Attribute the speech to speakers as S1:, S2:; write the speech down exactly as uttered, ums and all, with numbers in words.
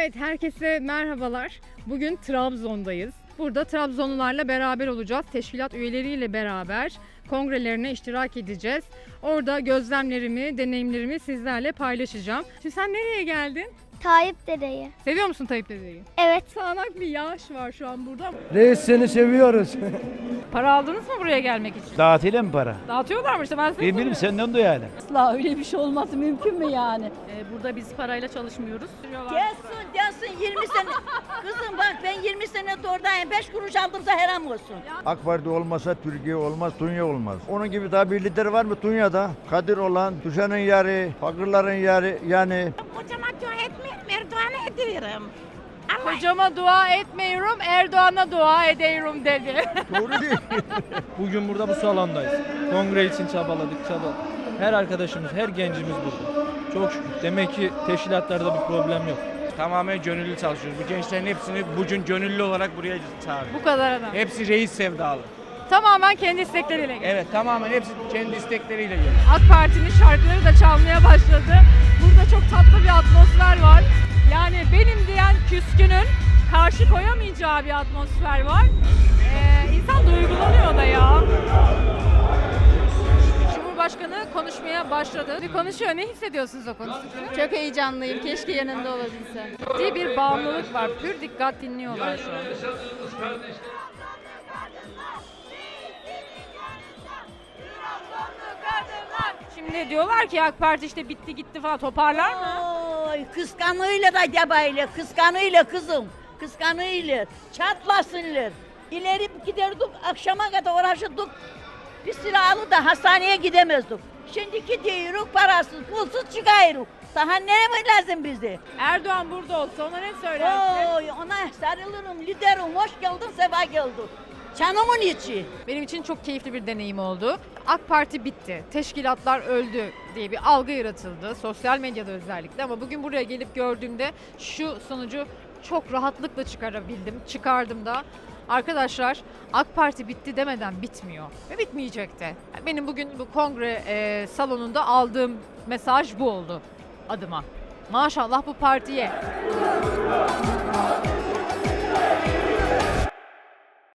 S1: Evet, herkese merhabalar. Bugün Trabzon'dayız. Burada Trabzonlularla beraber olacağız. Teşkilat üyeleriyle beraber kongrelerine iştirak edeceğiz. Orada gözlemlerimi, deneyimlerimi sizlerle paylaşacağım. Şimdi sen nereye geldin?
S2: Tayyip dedeyi.
S1: Seviyor musun Tayyip dedeyi?
S2: Evet.
S1: Sağanak bir yağış var şu an burada.
S3: Reis seni seviyoruz.
S1: Para aldınız mı buraya gelmek için?
S4: Dağıtıyla mı para?
S1: Dağıtıyorlar mı işte, ben size
S4: Ben bileyim,
S1: soruyorum.
S4: senden de yani.
S5: Asla öyle bir şey olması mümkün mü yani?
S6: Ee, burada biz parayla çalışmıyoruz.
S5: Gelsin gelsin yirmi sene. Kızım bak ben yirmi sene oradayım. beş kuruş aldımsa haram olsun.
S7: AK Parti olmasa Türkiye olmaz, Tunya olmaz. Onun gibi daha bir lider var mı Tunya'da? Kadir olan, düşenin yarı, fakirlerin yarı yani.
S6: Kocama dua etmiyorum, Erdoğan'a ediyorum.
S1: Kocama dua etmiyorum, Erdoğan'a dua ediyorum dedi.
S7: Doğru değil.
S3: Bugün burada bu salondayız. Kongre için çabaladık, çabaladık. Her arkadaşımız, her gencimiz burada. Çok şükür. Demek ki teşkilatlarda bir problem yok.
S8: Tamamen gönüllü çalışıyoruz. Bu gençlerin hepsini bugün gönüllü olarak buraya çağırdık.
S1: Bu kadar adam.
S8: Hepsi reis sevdalı.
S1: Tamamen kendi istekleriyle geldi.
S8: Evet, tamamen hepsi kendi istekleriyle geliyor.
S1: AK Parti'nin şarkıları da çalmaya başladı. Burada çok tatlı bir atmosfer var. Yani benim diyen küskünün karşı koyamayacağı bir atmosfer var. Ee, insan duygulanıyor da ya. Cumhurbaşkanı konuşmaya başladı. Bir konuşuyor. Ne hissediyorsunuz o konuştukça?
S6: Çok heyecanlıyım. Keşke yanında olabilsem.
S1: Ciddi bir bağımlılık var. Pür dikkat dinliyorlar şu an. Şimdi diyorlar ki AK Parti işte bitti gitti falan, toparlar mı?
S5: Oy kıskanıyla da gebayla. Kıskanıyla kızım. Kıskanıyla. Çatlasınlar. İleri giderdik akşama kadar uğraşırdık. Bir silahlı da hastaneye gidemezdik. Şimdi gidiyoruz parasız pulsuz çıkıyoruz. Daha ne lazım bize?
S1: Erdoğan burada olsa ona ne söylersin?
S5: Oy ona sarılırım liderim hoş geldin sefa geldin. Canımın içi.
S1: Benim için çok keyifli bir deneyim oldu. AK Parti bitti, teşkilatlar öldü diye bir algı yaratıldı. Sosyal medyada özellikle, ama bugün buraya gelip gördüğümde şu sonucu çok rahatlıkla çıkarabildim. Çıkardım da. Arkadaşlar, AK Parti bitti demeden bitmiyor ve bitmeyecek de. Benim bugün bu kongre e, salonunda aldığım mesaj bu oldu adıma. Maşallah bu partiye.